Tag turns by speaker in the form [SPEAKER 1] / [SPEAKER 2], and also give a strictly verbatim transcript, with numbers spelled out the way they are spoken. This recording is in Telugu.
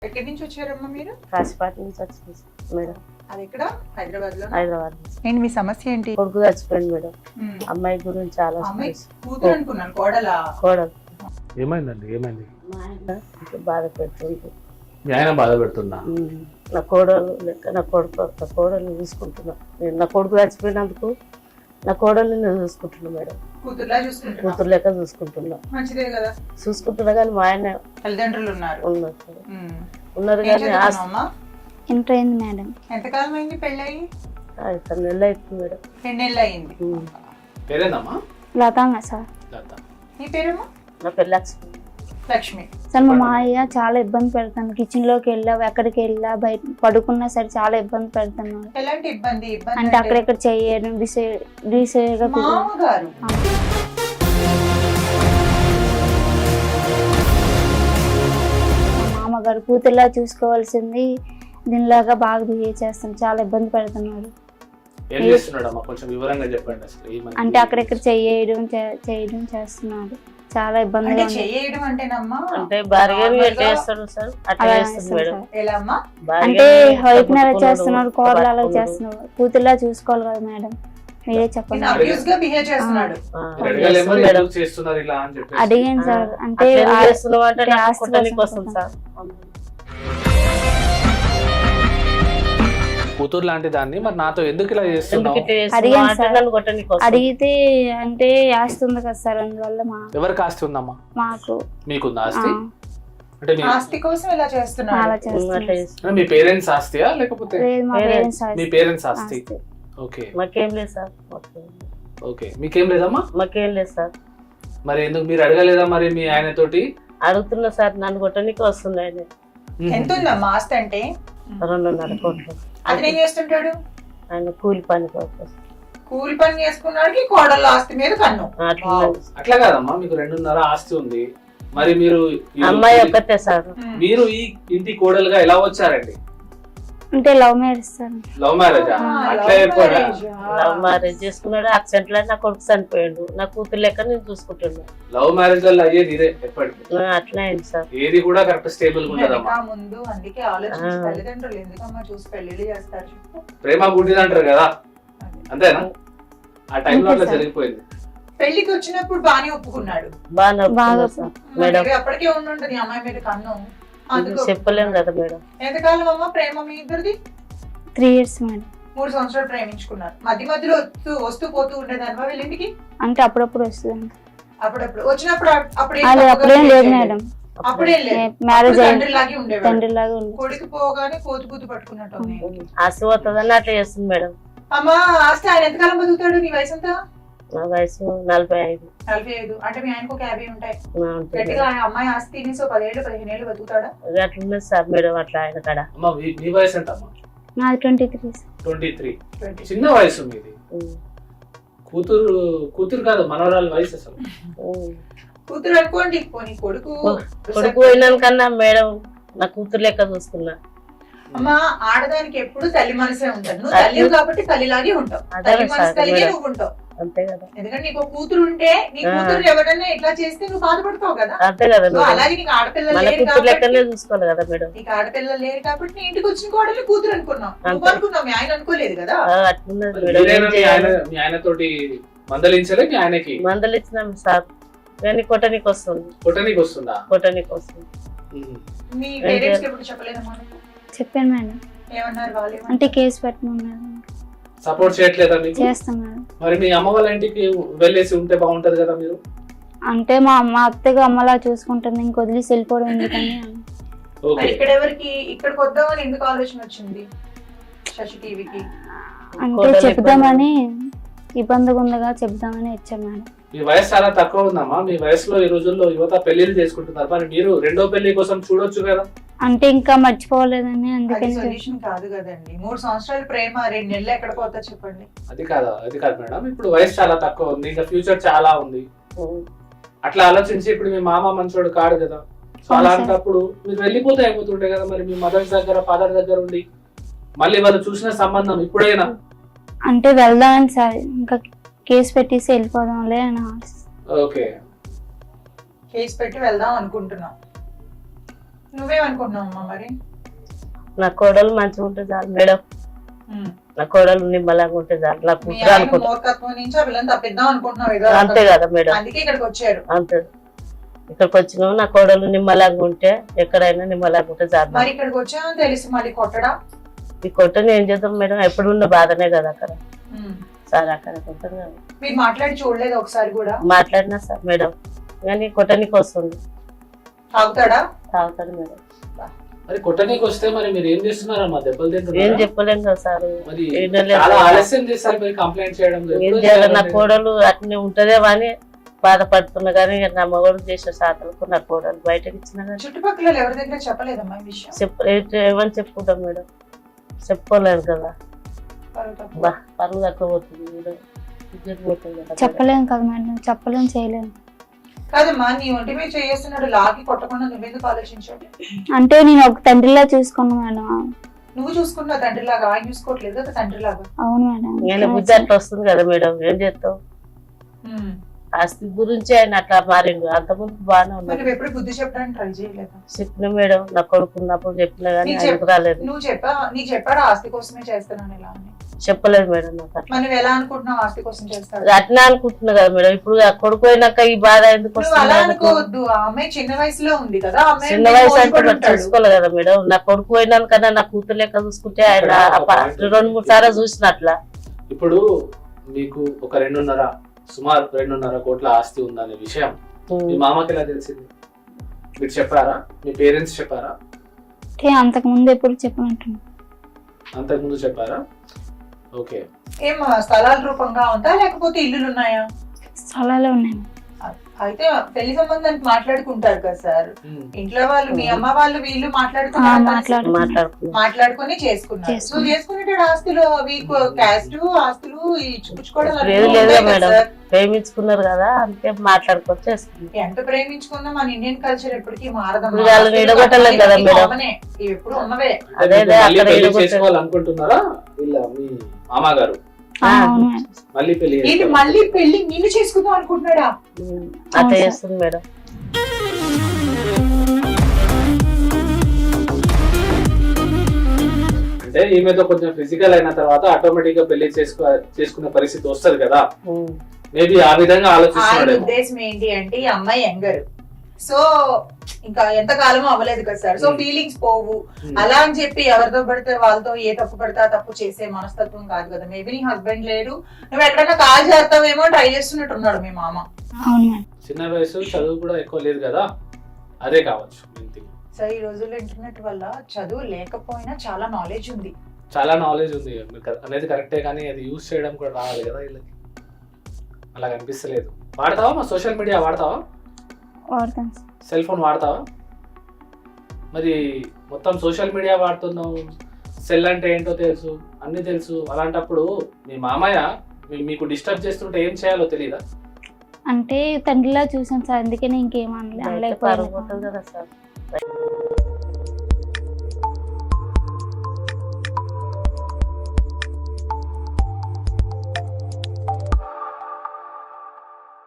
[SPEAKER 1] ఎక్కడి నుంచి వచ్చారమ్మా మీరు?
[SPEAKER 2] కాశీపాటి నుంచి వచ్చింది మేడం.
[SPEAKER 1] అది ఎక్కడ? హైదరాబాద్ లో.
[SPEAKER 2] హైదరాబాద్.
[SPEAKER 1] ఏంటి మీ సమస్య ఏంటి?
[SPEAKER 2] కొడుకు చచ్చిపోయింది మేడం. అమ్మాయి గురించి చాలా
[SPEAKER 1] అమ్మాయి కూతురు అనుకున్నాను, కోడలా?
[SPEAKER 2] కోడలు.
[SPEAKER 3] ఏమైందండి? ఏమైంది?
[SPEAKER 2] మా ఆయన బాధ పెడుతుంది.
[SPEAKER 3] మీ ఆయన బాధ పెడుతుందా?
[SPEAKER 2] నా కోడలు లెక్క నా కొడుకు నా కోడల్ని చూసుకుంటున్నా. నేను నా కొడుకు చచ్చిపోయినందుకు నా కోడల్ని నేను చూసుకుంటున్నా మేడం.
[SPEAKER 1] కూతురులా చూసుకుంటున్నా?
[SPEAKER 2] కూతురు లెక్క చూసుకుంటున్నా.
[SPEAKER 1] మంచిదే కదా.
[SPEAKER 2] చూసుకుంటున్నా కానీ మా ఆయన
[SPEAKER 1] తల్లిదండ్రులు ఉన్నారు
[SPEAKER 2] ఉన్నారు ఉన్నారు కానీ
[SPEAKER 4] ఎంటర్ అయింది మేడం.
[SPEAKER 1] ఎంతకాలం అయింది పెళ్ళయి?
[SPEAKER 2] ఐదు నెలలు అవుతుంది మేడం.
[SPEAKER 1] రెండు నెలలు అయింది.
[SPEAKER 3] పేరేందమ్మా?
[SPEAKER 4] లతాంగా సార్.
[SPEAKER 3] లత.
[SPEAKER 1] నీ పేరేమో?
[SPEAKER 2] నా పెళ్ళి లక్ష్మి.
[SPEAKER 1] లక్ష్మి.
[SPEAKER 4] సార్ మా మాయ చాలా ఇబ్బంది పెడతాను. కిచెన్ లోకి వెళ్ళా, ఎక్కడికి వెళ్ళా, బయట పడుకున్నా సరే చాలా ఇబ్బంది పెడుతున్నాను.
[SPEAKER 1] ఎలాంటి ఇబ్బంది? ఇబ్బంది
[SPEAKER 4] అంటే అక్కడెక్కడ చేయడం డిసైడ్గా
[SPEAKER 1] మామగారు
[SPEAKER 4] మామగారు కూతురులా చూసుకోవాల్సింది దీనిలాగా బాగా బిహేవ్ చేస్తాను. చాలా ఇబ్బంది పెడుతున్నాడు.
[SPEAKER 3] ఏం చేస్తున్నాడమ్మా? కొంచెం వివరంగా చెప్పండి. అసలు ఏమని?
[SPEAKER 4] అంటే అక్కడెక్కడ చేయడం చేయడం చేస్తున్నాడు. చాలా ఇబ్బందిగా ఉంది.
[SPEAKER 1] చేయడం అంటేనమ్మా
[SPEAKER 2] అంటే బార్గెన్ చేస్తాడు సార్. అట్లా చేస్తుంది మేడం.
[SPEAKER 1] ఎలా అమ్మా?
[SPEAKER 4] అంటే వైఫ్ నెల చేస్తున్నాడు, కోడలు అలా చేస్తున్నాడు. కూతురులా చూసుకోవాలి కదా మేడం, మీరే చెప్పండి.
[SPEAKER 1] అబ్యూస్ గా బిహేవ్ చేస్తున్నాడు.
[SPEAKER 3] అడగలేమో ఎందుకు చేస్తున్నారు ఇలా అని చెప్పి
[SPEAKER 4] అడిగాను సార్. అంటే
[SPEAKER 2] చేస్తున్నావు అంటే నాకు కొట్టడానికి వస్తుంది సార్.
[SPEAKER 3] కూతురు లాంటి దాన్ని మరి నాతో ఎందుకు ఇలా చేస్తున్నావు?
[SPEAKER 4] అడిగాను సార్. అడిగితే అంటే ఆస్తి ఉంది కదా సార్, అందువల్ల మా
[SPEAKER 3] ఎవరికి ఆస్తి ఉందమ్మా?
[SPEAKER 4] మాకు.
[SPEAKER 3] మీకుందా ఆస్తి? అంటే మీ
[SPEAKER 1] ఆస్తి కోసం ఇలా చేస్తున్నాడు.
[SPEAKER 4] అలా చేస్తున్నాడు.
[SPEAKER 3] మీ పేరెంట్స్ ఆస్తియా లేకపోతే
[SPEAKER 4] లేదు, మా పేరెంట్స్
[SPEAKER 3] మీ పేరెంట్స్ ఆస్తి? ఓకే.
[SPEAKER 2] మాకేం లేదు సార్.
[SPEAKER 3] ఓకే, మీకేం లేదమ్మా?
[SPEAKER 2] మాకేం లేదు సార్.
[SPEAKER 3] మరి ఎందుకు మీరు అడగలేదా మరి మీ ఆయన తోటి?
[SPEAKER 2] అడుగుతున్నా సార్, నన్ను కొట్టడానికి వస్తుంది ఆయన.
[SPEAKER 1] ఎంత ఉందమ్మా ఆస్తి? అంటే
[SPEAKER 2] రెండున్నర కోట్లు.
[SPEAKER 1] అతను ఏం చేస్తుంటాడు?
[SPEAKER 2] ఆయన కూలి పని కోసం.
[SPEAKER 1] కూలి పని చేసుకున్నాడికి కోడళ్ళ ఆస్తి మీద కన్ను.
[SPEAKER 3] అట్లా కాదమ్మా, మీకు రెండున్నర ఆస్తి ఉంది. మరి మీరు
[SPEAKER 2] అమ్మాయి ఒక్కతే సార్.
[SPEAKER 3] మీరు ఈ ఇంటి కోడలుగా ఎలా వచ్చారండి?
[SPEAKER 4] అంటే లవ్ మ్యారేజ్ సార్.
[SPEAKER 3] లవ్ మ్యారేజా? అట్లా అయిపోయా?
[SPEAKER 2] లవ్ మ్యారేజ్ చేసుకున్నాడు. యాక్సిడెంట్ లో నా కొడుకు చనిపోయాడు. నా కూతురు లెక్క నేను చూసుకుంటున్నా.
[SPEAKER 3] లవ్ మ్యారేజ్ వల్ల అయ్యేది ఇదే ఎప్పటికీ.
[SPEAKER 2] అట్లా అయింది సార్.
[SPEAKER 3] ఏది కూడా కరెక్ట్ స్టేబుల్ గా ఉంటదమ్మా.
[SPEAKER 1] ముందు అందుకే ఆలోచించి తల్లిదండ్రులు ఎందుకమ్మా చూసి పెళ్లి చేస్తారు?
[SPEAKER 3] ప్రేమ గుడ్డిది అంటారు కదా, అంతేనా? ఆ టైంలో అట్లా జరిగిపోయింది.
[SPEAKER 1] పెళ్లికి వచ్చినప్పుడు బానే ఒప్పుకున్నాడు.
[SPEAKER 2] బాగా మేడం.
[SPEAKER 1] అప్పటికే ఉండుంటది అమ్మాయి మీద కన్ను.
[SPEAKER 2] చెప్పలేం కదా మేడం.
[SPEAKER 1] ఎంతకాలం అమ్మా ప్రేమ మీ ఇద్దరిది?
[SPEAKER 4] Three years madam.
[SPEAKER 1] మూడు సంవత్సరాలు ప్రేమించుకున్నారు. మధ్య మధ్యలో వస్తూ వస్తూ పోతూ ఉండేదాన్ని వీళ్ళింటికి?
[SPEAKER 4] అంటే అప్పుడప్పుడు వస్తుంది.
[SPEAKER 1] అప్పుడప్పుడు వచ్చినప్పుడు అప్పుడే
[SPEAKER 4] అప్పుడేం లేదు మేడం.
[SPEAKER 1] అప్పుడేం లేదు.
[SPEAKER 4] మ్యారేజ్
[SPEAKER 1] తండ్రిలాగే ఉండేవాడు.
[SPEAKER 4] తండ్రిలాగా ఉంది.
[SPEAKER 1] కొడుకు పోగానే కోతు కూతు పట్టుకున్నట్టు
[SPEAKER 2] ఆస్తి పోతుందని అట్లా చేస్తుంది మేడం.
[SPEAKER 1] అమ్మా ఆస్తి ఆయన ఎంతకాలం బతుకుతాడు? నీ వయసు ఎంత?
[SPEAKER 2] నా వయసు నలభై ఐదు.
[SPEAKER 1] నలభై ఐదు అంటే మీ ఆయనకు ఒక యాభై ఉంటాయి. గట్టిగా అమ్మాయి ఆస్తి తినేసి పదిహేడు పదిహేను ఏళ్ళు బతుకుతాడా?
[SPEAKER 2] అట్లున్నది సార్ మేడం. అట్లా ఆయన కాడ.
[SPEAKER 3] అమ్మా మీ వయసు ఎంత అమ్మా?
[SPEAKER 4] నాది ట్వంటీ త్రీ.
[SPEAKER 3] ట్వంటీ త్రీ చిన్న వయసు మీది. కూతురు కూతురు కాదు, మనవరాలు వయసు అసలు.
[SPEAKER 1] కూతురు అనుకోండి. పోనీ కొడుకు
[SPEAKER 2] కొడుకు పోయినాను కన్నా మేడం నా కూతురు లెక్క చూసుకున్నా.
[SPEAKER 1] అమ్మా ఆడదానికి ఎప్పుడు తల్లి మనసే ఉంటాడు. నువ్వు తల్లి కాబట్టి తల్లిలాగే ఉంటావు. తల్లి మనసు కలిగే నువ్వు ఉంటావు.
[SPEAKER 2] అంతే కదా.
[SPEAKER 1] ఎందుకంటే నీకు కూతురు ఉంటే నీ కూతురు ఎవరైనా ఇట్లా చేస్తే నువ్వు బాధపడతావు కదా.
[SPEAKER 2] అంతే కదా.
[SPEAKER 1] అలాగే నీకు ఆడపిల్లలు
[SPEAKER 2] చూసుకోవాలి కదా మేడం.
[SPEAKER 1] నీకు ఆడపిల్లలు లేరు కాబట్టి నీ ఇంటికి వచ్చిన కోడలు కూతురు అనుకున్నావు. నువ్వు అనుకున్నావు, మీ ఆయన అనుకోలేదు కదా.
[SPEAKER 3] మీ ఆయన తోటి మందలించలే? మీ ఆయనకి
[SPEAKER 2] మందలిచ్చినాం సార్, కానీ కొట్టనికి వస్తుంది.
[SPEAKER 3] కొట్టనికి వస్తుందా?
[SPEAKER 2] కొట్టనికి వస్తుంది.
[SPEAKER 1] మీ పేరెంట్స్ ఎప్పుడు చెప్పలేదమ్మా?
[SPEAKER 4] చెప్పాను మేడం.
[SPEAKER 1] ఏమన్నారు వాళ్ళు?
[SPEAKER 4] అంటే కేసు పెట్టమన్నారు.
[SPEAKER 3] సపోర్ట్ చేయట్లేదా మీకు?
[SPEAKER 4] చేస్తాం మేడం.
[SPEAKER 3] మరి మీ అమ్మ వాళ్ళ ఇంటికి వెళ్ళేసి ఉంటే బాగుంటది కదా మీరు.
[SPEAKER 4] అంటే మా అమ్మ అత్తగా అమ్మలా చూసుకుంటుంది, ఇంక వదిలేసి వెళ్ళిపోవడం ఎందుకని.
[SPEAKER 1] ఇక్కడ ఎవరికి ఇక్కడికి వద్దామని ఎందుకు ఆలోచన వచ్చింది శశి టీవీకి?
[SPEAKER 4] అంటే చెప్దామని, ఇబ్బందిగా ఉందిగా చెప్దామని వచ్చాం మేడం.
[SPEAKER 3] మీ వయసు చాలా తక్కువ ఉందమ్మా. మీ వయసులో ఈ రోజుల్లో యువత పెళ్లిళ్ళు చేసుకుంటున్నారు. మరి మీరు రెండో పెళ్లి కోసం చూడొచ్చు కదా.
[SPEAKER 4] అంటే ఇంకా మర్చిపోలేదని అందుకని.
[SPEAKER 1] సొల్యూషన్ కాదు కదండి. మూడు సంవత్సరాల ప్రేమ రెండు నెలలు ఎక్కడ పోతా చెప్పండి.
[SPEAKER 3] అది కాదు అది కాదు మేడం. ఇప్పుడు వయసు చాలా తక్కువ ఉంది, ఇంకా ఫ్యూచర్ చాలా ఉంది. అట్లా ఆలోచించి ఇప్పుడు మీ మామ మంచోడు కాడు కదా. సో అలాంటప్పుడు మీరు వెళ్ళిపోతే అయిపోతుండే కదా. మరి మీ మదర్ దగ్గర ఫాదర్ దగ్గర ఉండి మళ్ళీ వాళ్ళు చూసిన సంబంధం ఇప్పుడైనా.
[SPEAKER 4] అంటే వెళ్దామని సార్, ఇంకా కేసు పెట్టేసి వెళ్ళిపోదాంలే అని.
[SPEAKER 3] ఓకే,
[SPEAKER 1] కేసు పెట్టి వెళ్దాం అనుకుంటున్నాం. నువ్వేమనుకుంటున్నావు అమ్మా మరి?
[SPEAKER 2] నా కోడలు మంచిగా ఉంటే చాలు మేడం,
[SPEAKER 1] ఉమ్.
[SPEAKER 2] నా కోడలు నిమ్మలంగా ఉంటే చాలు, నా
[SPEAKER 1] మీ
[SPEAKER 2] కూతురు
[SPEAKER 1] ఆయన
[SPEAKER 2] అనుకుంటా.
[SPEAKER 1] మూర్ఖత్వం నుంచి ఆ పిల్లని తప్పిద్దాం అనుకుంటున్నావు ఏదో
[SPEAKER 2] అంతే
[SPEAKER 1] రకంగా.
[SPEAKER 2] కదా మేడం,
[SPEAKER 1] అందుకే ఇక్కడికి వచ్చారు.
[SPEAKER 2] అంతే. ఇక్కడికి వచ్చినాము, నా కోడలు నిమ్మలంగా ఉంటే ఎక్కడైనా నిమ్మలంగా ఉంటే చాలు.
[SPEAKER 1] మరి ఇక్కడికి వచ్చామని తెలిసి మళ్ళీ కొట్టడా?
[SPEAKER 2] ఈ కొట్టని ఏం చేద్దాం మేడం, ఎప్పుడు ఉన్న బాధనే కదా అక్కడ.
[SPEAKER 1] ఉమ్.
[SPEAKER 2] సార్ అక్కడ కొట్టను కదా.
[SPEAKER 1] మీరు మాట్లాడి చూడలేదు ఒకసారి కూడా?
[SPEAKER 2] మాట్లాడినా సార్ మేడం, కానీ కొట్టనికి వస్తుంది,
[SPEAKER 1] తాగుతాడా?
[SPEAKER 2] తాగుతాడు మేడం.
[SPEAKER 3] మరి కొట్టనీకి వస్తే మరి మీరు ఏం చేస్తున్నారమ్మా? దెబ్బలు
[SPEAKER 2] ఏం
[SPEAKER 3] తింటున్నారా?
[SPEAKER 2] చెప్పలేం కదా సార్.
[SPEAKER 3] మరి
[SPEAKER 2] ఏం లేదు
[SPEAKER 3] చాలా
[SPEAKER 2] సార్.
[SPEAKER 3] ఆలస్యం చేస్తారు మీరు కంప్లైంట్ చేయడం.
[SPEAKER 2] ఏం
[SPEAKER 3] ఎప్పుడు
[SPEAKER 2] చేయాలి, నా
[SPEAKER 3] చేయాలండి?
[SPEAKER 2] కోడలు అట్నే ఉంటదేమో అని బాధపడుతున్నా, కానీ ఇక నా మగడు చేసే సాతలకు నా కోడలు బయటకి ఇచ్చినా కానీ
[SPEAKER 1] చుట్టుపక్కల ఎవరి దగ్గర చెప్పలేదమ్మా ఈ విషయం?
[SPEAKER 2] చెప్ప ఏ- ఏమని చెప్పుకుంటాం మేడం, చెప్పుకోలేదు కదా.
[SPEAKER 1] పరువు
[SPEAKER 2] బా పరువు తక్కువ పోతుంది మేడం, ఇజ్జత్ పోతుంది కదా మేడం.
[SPEAKER 4] చెప్పలేము కదా మేడం, చెప్పలేం చేయలేము.
[SPEAKER 1] కాదమ్మా, నీ ఒంటి మీద చేస్తున్నాడు లాగి కొట్టకుండా నువ్వెందుకు ఆలోచించావు?
[SPEAKER 4] అంటే నేను ఒక తండ్రిలా చూసుకున్నా మేడం.
[SPEAKER 1] నువ్వు చూసుకున్నావు తండ్రిలాగా, ఆయన చూసుకోవట్లేదు కదా తండ్రిలాగా.
[SPEAKER 4] అవును మేడం.
[SPEAKER 2] నేను బుద్ధి అట్లా వస్తుంది కదా మేడం, ఏం చేస్తావు.
[SPEAKER 1] ఉమ్.
[SPEAKER 2] ఆస్తి గురించి ఆయన అట్లా మారిండు, అంతకుముందు బాగానే
[SPEAKER 1] మరి
[SPEAKER 2] ఉన్నాడు.
[SPEAKER 1] నువ్వు ఎప్పుడు బుద్ధి చెప్పడానికి ట్రై చేయలేదు?
[SPEAKER 2] చెప్పిన మేడం, నా కొడుకున్నప్పుడు చెప్పినా కానీ
[SPEAKER 1] నీకు
[SPEAKER 2] ఆయనకు రాలేదు.
[SPEAKER 1] నువ్వు చెప్పా నీకు చెప్పాడు ఆస్తి కోసమే చేస్తున్నాను ఇలా అని?
[SPEAKER 2] చెప్పలేదు మేడం నాకు అట్లా.
[SPEAKER 1] మరి నువ్వు ఎలా అనుకుంటున్నావు ఆస్తి కోసం చేస్తాడు?
[SPEAKER 2] అట్లా అనుకుంటున్నా కదా మేడం, ఇప్పుడు ఆ కొడుకు అయినాక ఈ బాధ ఎందుకు
[SPEAKER 1] నువ్వు అలా
[SPEAKER 2] వస్తుంది ఆయనకు?
[SPEAKER 1] అనుకోవద్దు, ఆ అమ్మాయి చిన్న వయసులో ఉంది కదా, ఆ అమ్మాయి
[SPEAKER 2] చిన్న
[SPEAKER 1] మీద
[SPEAKER 2] వయసు అంటే
[SPEAKER 1] మోజుపడి
[SPEAKER 2] మరి
[SPEAKER 1] ఉంటాడు.
[SPEAKER 2] చూసుకోవాలి కదా మేడం, నా కొడుకు అయినాకన్నా నా కూతురు లెక్క చూసుకుంటే ఆయన ఆ ప- రెండు మూడు సార్లు చూసిన అట్లా.
[SPEAKER 3] ఇప్పుడు మీకు ఒక రెండున్నర సుమారు రెండున్నర కోట్ల ఆస్తి ఉందనే విషయం మీ మామకి ఎలా తెలిసింది? మీరు చెప్పారా? మీ పేరెంట్స్ చెప్పారా?
[SPEAKER 4] అంటే అంతకు ముందు ఎప్పుడు చెప్పినట్టు
[SPEAKER 3] అంతకు ముందు చెప్పారా? ఓకే.
[SPEAKER 1] ఏం స్థలాల రూపంగా ఉందా లేకపోతే ఇల్లులు ఉన్నాయా?
[SPEAKER 4] స్థలాలే ఉన్నాయి.
[SPEAKER 1] అయితే పెళ్లి సంబంధానికి మాట్లాడుకుంటారు కదా సార్,
[SPEAKER 3] ఉమ్.
[SPEAKER 1] ఇంట్లో వాళ్ళు మీ అమ్మ వాళ్ళు వీళ్ళు
[SPEAKER 4] ఆ,
[SPEAKER 1] మాట్లాడుకున్నారు,
[SPEAKER 4] మాట్లాడు
[SPEAKER 2] మాట్లాడుకున్నాం.
[SPEAKER 1] మాట్లాడుకుని చేసుకున్నారు. సో
[SPEAKER 4] చేసుకున్నారు.
[SPEAKER 1] చేసుకునేటాడు ఆస్తులు అవి క్యాస్ట్ ఆస్తులు ఈ చూపించుకోవడం
[SPEAKER 2] లేదు
[SPEAKER 1] అలాంటివి
[SPEAKER 2] లేదు
[SPEAKER 1] ఉంటాయి కదా
[SPEAKER 2] మేడం,
[SPEAKER 1] సార్.
[SPEAKER 2] ప్రేమించుకున్నారు కదా అందుకే మాట్లాడుకొని చేసుకున్నాం.
[SPEAKER 1] ఎంత ప్రేమించుకున్నా మన ఇండియన్ కల్చర్ ఎప్పటికీ
[SPEAKER 2] ఇప్పుడు
[SPEAKER 1] మారదమ్మా.
[SPEAKER 2] వాళ్ళని విడగొట్టలేం కదా
[SPEAKER 1] ఇవి
[SPEAKER 2] మేడం.
[SPEAKER 1] కామనే, ఇవి ఎప్పుడు ఉన్నవే.
[SPEAKER 2] అదే
[SPEAKER 3] మీరు
[SPEAKER 2] అదే
[SPEAKER 3] మళ్ళీ
[SPEAKER 2] అక్కడ
[SPEAKER 3] పెళ్లి
[SPEAKER 2] విడగొట్టారు.
[SPEAKER 3] చేసుకోవాలనుకుంటున్నారా? వీళ్ళ మీ మామగారు
[SPEAKER 4] ఆ, అవును మేడం.
[SPEAKER 3] మళ్ళీ పెళ్లి
[SPEAKER 1] ఏంటి
[SPEAKER 3] చేసుకోవాలి.
[SPEAKER 1] మళ్ళీ పెళ్లి నిన్ను చేసుకుందాం అనుకుంటున్నాడా?
[SPEAKER 2] ఉమ్, అట్లా
[SPEAKER 4] సార్.
[SPEAKER 2] చేస్తుంది మేడం.
[SPEAKER 3] అంటే ఈమెతో కొంచెం ఫిజికల్ అయిన తర్వాత ఆటోమేటిక్ గా పెళ్లి చేసుకో చేసుకునే పరిస్థితి వస్తది కదా,
[SPEAKER 2] ఉమ్,
[SPEAKER 3] మేబీ ఆ విధంగా
[SPEAKER 1] ఆయన
[SPEAKER 3] ఆలోచిస్తున్నాడేమో.
[SPEAKER 1] ఉద్దేశం ఏంటి అంటే ఈ అమ్మాయి యంగర్, సో ఇంకా ఎంత కాలం అవ్వలేదు కదా సార్, సో
[SPEAKER 3] Hmm.
[SPEAKER 1] ఫీలింగ్స్ పోవు
[SPEAKER 3] ఉమ్.
[SPEAKER 1] అలా అని చెప్పి ఎవరితో పడితే వాళ్ళతో ఏ తప్పు పడితే ఆ తప్పు చేసే మనస్తత్వం కాదు కదా. మేబీ నీ హస్బెండ్ లేడు, నువ్వు ఎక్కడైనా కాల్ చేస్తావేమో ట్రై చేస్తున్నట్టున్నాడు మీ మామ.
[SPEAKER 4] అవును మేడం.
[SPEAKER 3] చిన్న వయసు, చదువు కూడా ఎక్కువ లేదు కదా, అదే కావచ్చు main thing.
[SPEAKER 1] సో ఈ రోజుల్లో ఇంటర్నెట్ వల్ల చదువు లేకపోయినా చాలా నాలెడ్జ్ ఉంది.
[SPEAKER 3] చాలా నాలెడ్జ్ ఉంది మీరు క- అనేది కరెక్టే, కానీ అది యూజ్ చేయడం కూడా రావాలి కదా వీళ్ళకి. అలా కనిపిస్తలేదు. వాడతావా మా సోషల్ మీడియా? వాడతావా?
[SPEAKER 4] వాడతాను సార్.
[SPEAKER 3] Cell phone వాడతావా? మరి మొత్తం సోషల్ మీడియా వాడుతున్నావు, సెల్ అంటే ఏంటో తెలుసు, అన్ని తెలుసు. అలాంటప్పుడు మీ మామయ్య మీ- మీకు డిస్టర్బ్ చేస్తుంటే ఏం చేయాలో తెలియదా?
[SPEAKER 4] అంటే తండ్రిలా చూసాను సార్, అందుకనే ఇంకేం అనలే
[SPEAKER 2] బయట పరుగు పోతుంది
[SPEAKER 4] అనలేకపోయాను.
[SPEAKER 2] కదా సార్.